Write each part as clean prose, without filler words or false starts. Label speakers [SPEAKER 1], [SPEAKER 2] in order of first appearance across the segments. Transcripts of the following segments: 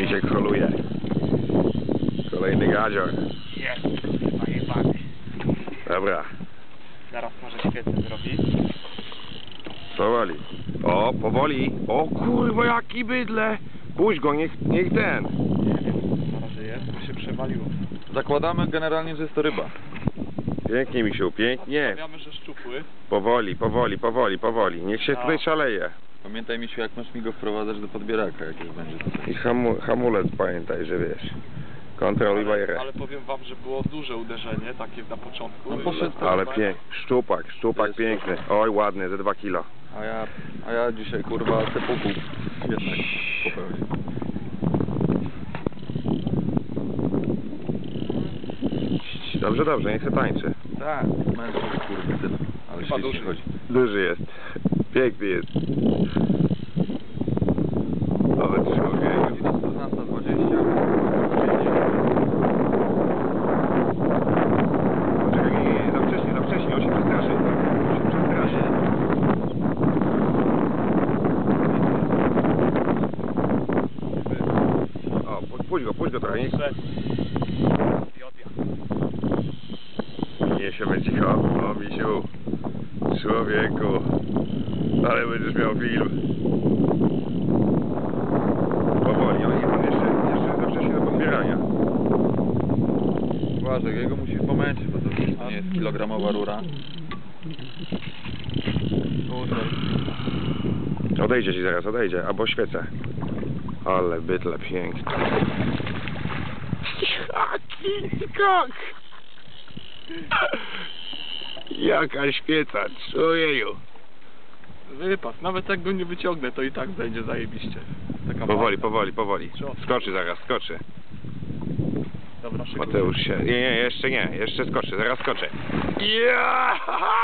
[SPEAKER 1] Misiek holuje. Kolejny gadzior.
[SPEAKER 2] Jest, najebany.
[SPEAKER 1] Dobra.
[SPEAKER 2] Zaraz może świecę zrobić.
[SPEAKER 1] Powoli. O, powoli. O kurwa, jaki bydle. Puść go, niech ten.
[SPEAKER 2] Nie wiem, na razie jest, bo się przewaliło.
[SPEAKER 3] Zakładamy generalnie, że jest to ryba.
[SPEAKER 1] Pięknie, misiu, pięknie.
[SPEAKER 2] Stawiamy, że szczupły.
[SPEAKER 1] Powoli. Niech się tutaj szaleje.
[SPEAKER 3] Pamiętaj, Misiu, jak masz mi go wprowadzać do podbieraka, jak już będzie tutaj.
[SPEAKER 1] I hamulec pamiętaj, że wiesz. Kontroluj bajerę.
[SPEAKER 2] Ale powiem wam, że było duże uderzenie, takie na początku.
[SPEAKER 3] No poszedł,
[SPEAKER 1] Ale szczupak piękny. Oj, ładny, ze 2 kilo.
[SPEAKER 3] A ja dzisiaj, kurwa, sepuku jednak popełnię.
[SPEAKER 1] Dobrze, niech się tańczy.
[SPEAKER 3] Tak, mężczyzn, kurwa, tyle. Ale
[SPEAKER 2] Chyba
[SPEAKER 3] świetnie
[SPEAKER 2] duży.
[SPEAKER 3] chodzi.
[SPEAKER 1] Duży jest. Piękny jest. O, człowiek.
[SPEAKER 3] 14:20.
[SPEAKER 1] Poczekaj, nie, za wcześnie, on się przestraszy. O, puść go trochę, nie się będzie cicho. O, misiu. Człowieku. Ale będziesz miał film. Powoli, on jeszcze za wcześnie do podbierania.
[SPEAKER 3] Uważaj, jego musisz pomęczyć, bo to nie jest kilogramowa rura.
[SPEAKER 1] Odejdzie ci zaraz, albo świecę. Ale bydle piękny. Jaki skok! Jaka świeca, człowieju.
[SPEAKER 2] Wypas, nawet jak go nie wyciągnę, to i tak będzie zajebiście. Taka
[SPEAKER 1] Powoli. Skoczy zaraz, skoczy.
[SPEAKER 2] Dobra, szykuj.
[SPEAKER 1] Mateusz się... Nie, jeszcze skoczy, zaraz skoczy. Ja!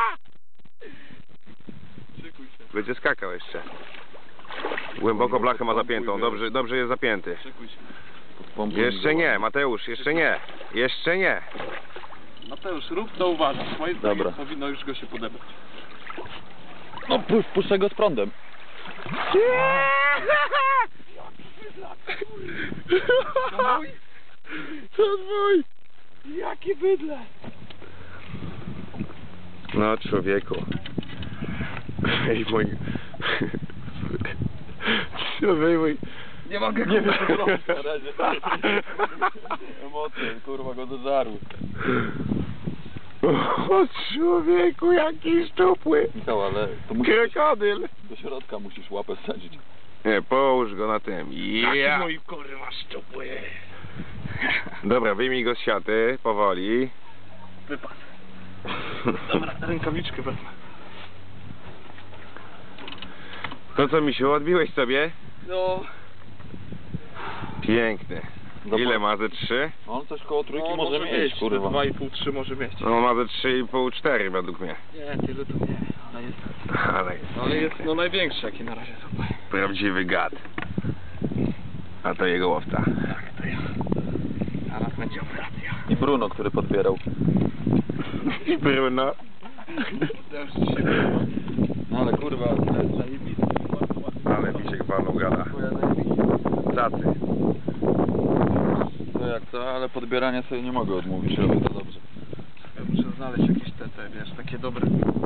[SPEAKER 2] Szykuj się,
[SPEAKER 1] Będzie skakał jeszcze. Głęboko blachę ma zapiętą, dobrze jest zapięty.
[SPEAKER 2] szykuj się.
[SPEAKER 1] Jeszcze nie, Mateusz, jeszcze nie.
[SPEAKER 2] Mateusz, rób co uważasz. Moim
[SPEAKER 3] Dobra.
[SPEAKER 2] zdaniem powinno już go się podobać.
[SPEAKER 3] No puszczę go z prądem.
[SPEAKER 1] To mój!
[SPEAKER 2] Jakie bydle!
[SPEAKER 1] No człowieku. Ej mój... Mój...
[SPEAKER 3] Nie mogę, nie wiem co zrobić na razie. Emocje, kurwa, go dożarły.
[SPEAKER 1] O człowieku, jaki szczupły!
[SPEAKER 3] Michał, ale to musisz
[SPEAKER 1] Krokodyl!
[SPEAKER 3] do środka musisz łapę wsadzić.
[SPEAKER 1] Nie, połóż go na tym. Ja.
[SPEAKER 2] Mój kurwa szczupły!
[SPEAKER 1] Dobra, wyjmij go z siaty, powoli.
[SPEAKER 2] Wypas. Dobra, rękawiczkę wezmę.
[SPEAKER 1] To co, misiu, odbiłeś sobie?
[SPEAKER 2] No...
[SPEAKER 1] Piękny. Ile ma ze 3?
[SPEAKER 3] On coś koło trójki
[SPEAKER 2] No,
[SPEAKER 3] może mieć, kurwa.
[SPEAKER 2] 2,5-3 może mieć.
[SPEAKER 1] No ma ze 3,5-4 według mnie.
[SPEAKER 2] Nie, tyle to nie, ale jest...
[SPEAKER 1] Ale
[SPEAKER 2] jest no największy jaki na razie tutaj.
[SPEAKER 1] prawdziwy gad. A to jego łowca.
[SPEAKER 2] Tak, to ja. Zaraz będzie operacja.
[SPEAKER 3] I Bruno, który podbierał.
[SPEAKER 1] I Bruno.
[SPEAKER 2] Też się było.
[SPEAKER 3] No ale kurwa, to jest zajebiste.
[SPEAKER 1] Ale misiek walnął gada. Cacy.
[SPEAKER 3] To jak to, ale podbierania sobie nie mogę odmówić, robię to dobrze.
[SPEAKER 2] Ja muszę znaleźć jakieś te, wiesz, takie dobre